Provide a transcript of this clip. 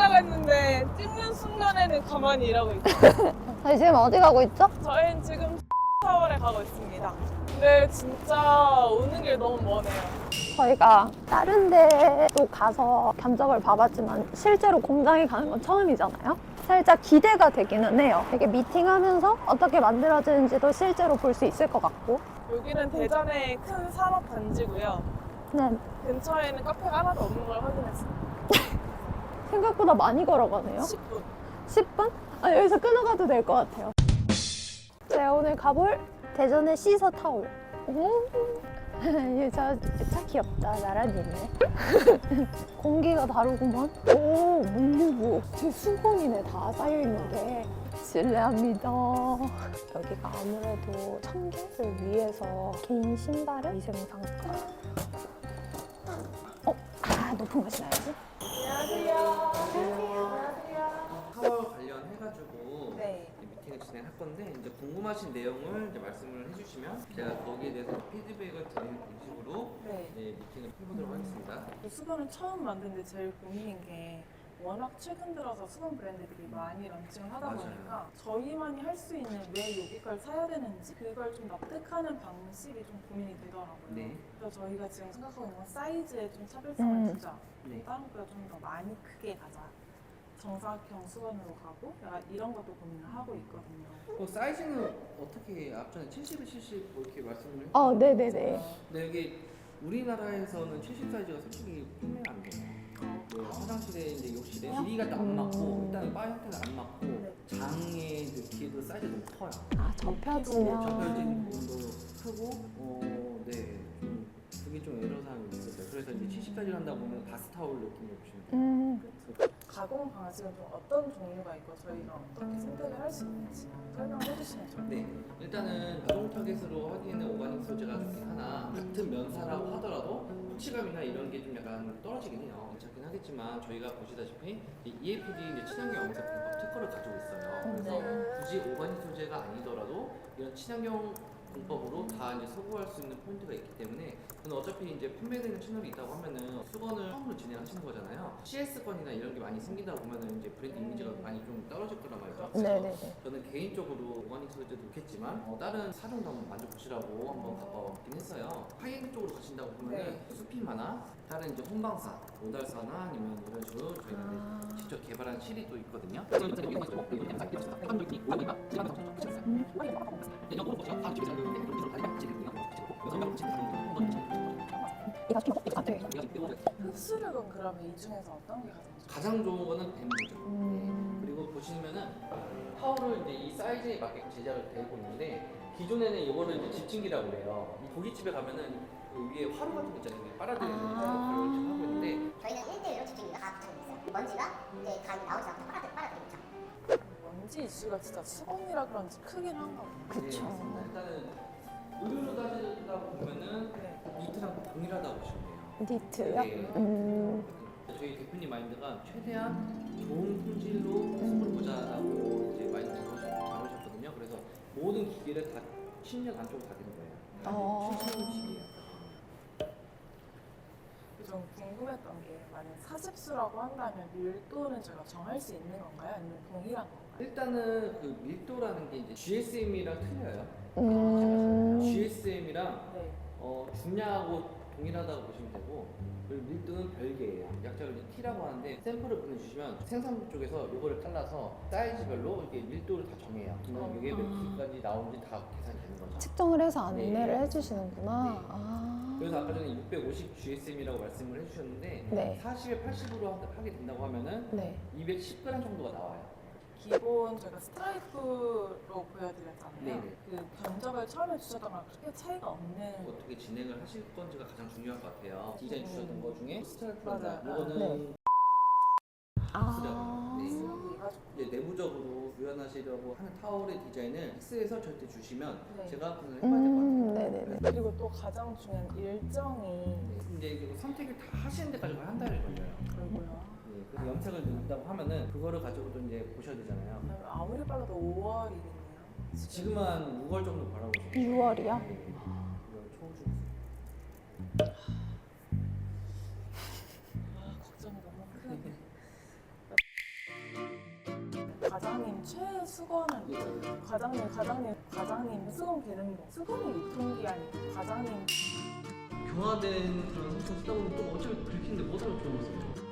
찍으려고 했는데 찍는 순간에는 가만히 일하고 있어요. 저희 지금 어디 가고 있죠? 저희는 지금 타월에 가고 있습니다. 근데 진짜 오는 길 너무 머네요. 저희가 다른 데도 가서 견적을 봐봤지만 실제로 공장에 가는 건 처음이잖아요. 살짝 기대가 되기는 해요. 이렇게 미팅하면서 어떻게 만들어지는지도 실제로 볼 수 있을 것 같고. 여기는 대전의 큰 산업 단지고요. 네, 근처에는 카페가 하나도 없는 걸 확인했어요. 생각보다 많이 걸어가네요. 10분. 10분? 아, 여기서 끊어가도 될 것 같아요. 제가 오늘 가볼 대전의 시서 타올. 차 귀엽다. 나란히 있네. 공기가 다르구만. 오, 물류부. 제 수건이네, 다 쌓여있는 게. 실례합니다. 여기가 아무래도 청결을 위해서 개인 신발을 위생상가. 높은 거 신어야지. 안녕하세요. 타월 관련해가지고 네. 미팅을 진행할 건데 이제 궁금하신 내용을 이제 말씀을 해주시면 제가 거기에 대해서 피드백을 드리는 식으로 네. 미팅을 해보도록 하겠습니다. 수건을 처음 만드는데 제일 고민인 게 워낙 최근 들어서 수건 브랜드들이 많이 런칭을 하다 맞아요. 보니까 저희만이 할 수 있는 왜 여기 걸 사야 되는지 그걸 좀 납득하는 방식이 좀 고민이 되더라고요. 네. 그래서 저희가 지금 생각하고 있는 건 사이즈에 좀 차별성을 두자. 네. 다른 것보다 좀 더 많이 크게 가자. 정사각형 수건으로 가고 약간 이런 것도 고민을 하고 있거든요. 사이즈는 어떻게 앞전에 70에 70 뭐 이렇게 말씀을 해주셨는데 네네네. 근데 여기 우리나라에서는 70 사이즈가 솔직히 판매가 안 돼요. 화장실에 이제 욕실에 길이가 또 안 맞고 일단 바 형태가 안 맞고 네. 장에 넣기도 사이즈 너무 커요. 접혀지면. 접혀진 부분도 크고 네. 좀 그게 좀 애로사항이 있었어요. 그래서 이제 70까지 한다 보면 바스타올 느낌으로 보시면 돼요. 가공 방식은 좀 어떤 종류가 있고 저희가 어떻게 선택을 할 수 있는지 설명을 해주시면 좋을 것 같아요. 네, 일단은 자동 타겟으로 하기에는 오가닉 소재가 좋긴 하나 같은 면사라고 하더라도 터치감이나 이런 게 좀 약간 떨어지긴 해요. 괜찮긴 하겠지만 저희가 보시다시피 이 EFD 이제 친환경 영상 공법 특허를 가지고 있어요. 그래서 굳이 오가닉 소재가 아니더라도 이런 친환경 공법으로 다 이제 소구할 수 있는 포인트가 있기 때문에 저는 어차피 이제 판매되는 채널이 있다고 하면은 수건을 처음으로 진행하시는 거잖아요. CS건이나 이런 게 많이 생기다 보면은 이제 브랜드 이미지가 많이 좀 떨어질 거란 말이죠. 네네네. 저는 개인적으로 오가닉 소재도 좋겠지만 다른 사종도 한번 만져보시라고 한번 가봤긴 했어요. 하이엔드 쪽으로 가신다고 보면은 수피마나 다른 이제 혼방사, 오달사나 아니면 이런 식으로 저희가 이제 직접 개발한 실이 또 있거든요. 흡수력은 그러면 이 중에서 어떤 게 가장 좋아요? 가장 좋은 거는 뱀부죠. 그리고 보시면은 타월을 이제 이 사이즈에 맞게 제작을 되고 있는데 기존에는 이거를 이제 집진기라고 그래요. 이 고깃집에 가면은 그 위에 화로 같은 거 있잖아요. 빨아들이는 가루를 지금 하고 있는데 저희는 1대1로 집중기가 다 붙여져 있어요. 먼지가 이제 가위 나오지 않고 빨아들이고 있죠. 먼지 이슈가 진짜 수건이라 그런지 크긴 한가 봐요. 그쵸. 네, 일단은 의료로 따지다 보면은 니트랑 동일하다고 보시면 돼요. 니트요? 네. 저희 대표님 마인드가 최대한 좋은 품질로 수건을 보자라고 이제 마인드 잡으셨거든요. 그래서 모든 기계를 다 10년 안쪽으로 다 되는 거예요. 70년씩이에요. 좀 궁금했던 게 만약 40수라고 한다면 밀도는 저희가 정할 수 있는 건가요? 아니면 동일한 건가요? 일단은 그 밀도라는 게 이제 GSM이랑 틀려요. GSM이랑 네. 중량하고 동일하다고 보시면 되고 그리고 밀도는 별개예요. 약자를 이제 T라고 하는데 샘플을 보내주시면 생산부 쪽에서 이거를 잘라서 사이즈별로 이렇게 밀도를 다 정해요. 그러면 이게 몇 키까지 나오는지 다 계산이 되는 거죠. 측정을 해서 안내를 네. 해주시는구나. 네. 그래서 아까 전에 650 GSM이라고 말씀을 해주셨는데 네. 40에 80으로 하게 된다고 하면은 네. 210g 정도가 나와요. 기본 저희가 스트라이프로 보여드렸잖아요. 네네. 그 견적을 처음에 주셨던 거랑 그렇게 차이가 없는 어떻게 진행을 하실 건지가 가장 중요할 것 같아요. 디자인 주셨던 거 중에 스트라이프나 맞아요. 이거는 아. 네. 얘가 이제 내부적으로 표현하시려고 하는 타월의 디자인을 픽스해서 저한테 주시면 네. 제가 분석을 해봐야 될 것 같아요. 네네네. 그리고 또 가장 중요한 일정이 네. 근데 이거 선택을 다 하시는 데까지 한 달이 걸려요. 그리고요. 네. 그래서 염색을 넣는다고 하면은 그거를 가지고도 이제 보셔야 되잖아요. 아무리 빨라도 5월이겠네요. 지금은 한 6월 정도 바라보시면 6월이요? 네. 6월 초중. 걱정이 너무 크네. 과장님 최수건은 과장님 수건 개는 거. 수건이 유통기한이 과장님 교화된 그런 소스를 쓰다 보면 또 어차피 긁히는데 못 하면 좋은 거죠.